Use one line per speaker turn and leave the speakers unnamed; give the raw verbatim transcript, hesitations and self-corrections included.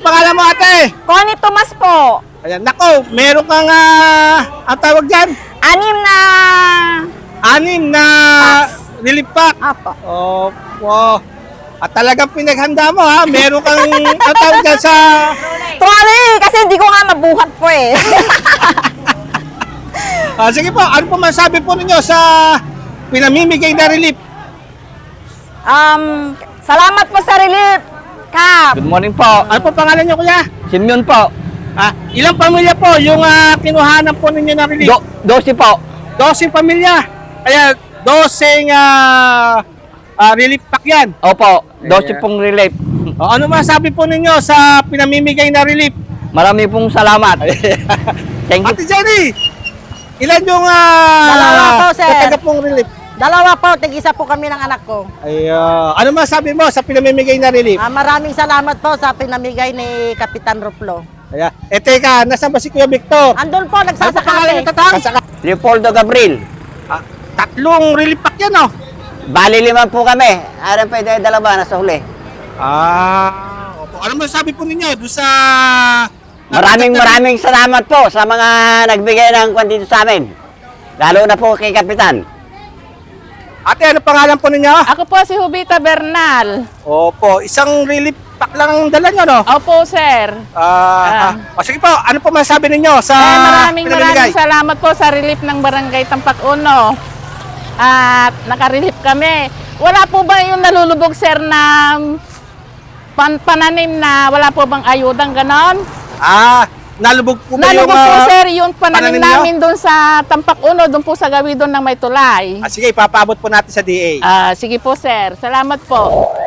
pangalan mo, ate?
Connie Tomas po.
Ayan, nako, meron kang, ah, ang tawag dyan?
Anim na...
Anim na relief pack.
Apo.
Opo. At talagang pinaghanda mo, ha? Meron kang, ang tawag dyan sa...
Trolley! Kasi hindi ko nga mabuhat po eh.
Ah, sige po, ano po masabi po ninyo sa pinamimigay na relief?
um, salamat po sa relief. Kap.
Good morning po.
Ano po pangalan nyo, kuya?
Simeon po.
Ah, ilang pamilya po yung ah, kinuhanan po ninyo na relief?
Do dosi po.
Dosing pamilya. Kaya, dosing ah, ah, relief pack yan.
Opo, dosi
Ayan.
pong relief.
O, ano masabi po ninyo sa pinamimigay na relief?
Marami pong salamat. Thank you.
Ate Jenny, ilan yung uh,
Dalawa po, sir.
nataga pong relief?
Dalawa po, tig-isa po kami ng anak ko.
Ay, ah, ano masabi mo sa pinamimigay na relief?
Ah, maraming salamat po sa pinamigay ni Kapitan Ruplo.
Ayan. Eh teka, nasaan ba si Kuya Victor?
Andun po,
Ano pa pangalan
nagsasakate.
ng tatang? Sasaka.
Leopoldo Gabriel.
Ah, tatlong relief pack yan, oh.
Bali lima po kami. Aram pa yung dalawa nasa huli.
Ah, opo. Ano masabi po ninyo doon sa...
Maraming maraming salamat po sa mga nagbigay ng kwan dito sa amin. Lalo na po kay Kapitan.
Ate, ano pangalan po ninyo?
Ako po si Jubita Bernal.
Opo, isang relief pack lang ang dala nyo, no?
Opo, sir.
Ah, ah. O, sige po, ano po masabi ninyo sa
Eh, maraming
pinamimigay?
maraming salamat po sa relief ng Barangay Tampak Uno. At nakarelief kami. Wala po ba yung nalulubog, sir, na pan pananim na wala po bang ayudang ganon?
Ah, nalubog po ba yung...
Nalubog po,
ah,
sir, yung pananim
pananim nyo?
namin doon sa Tampak Uno, doon po sa gawin doon ng may tulay.
Ah, sige, ipapaabot po natin sa D A.
Ah, sige po, sir. Salamat po.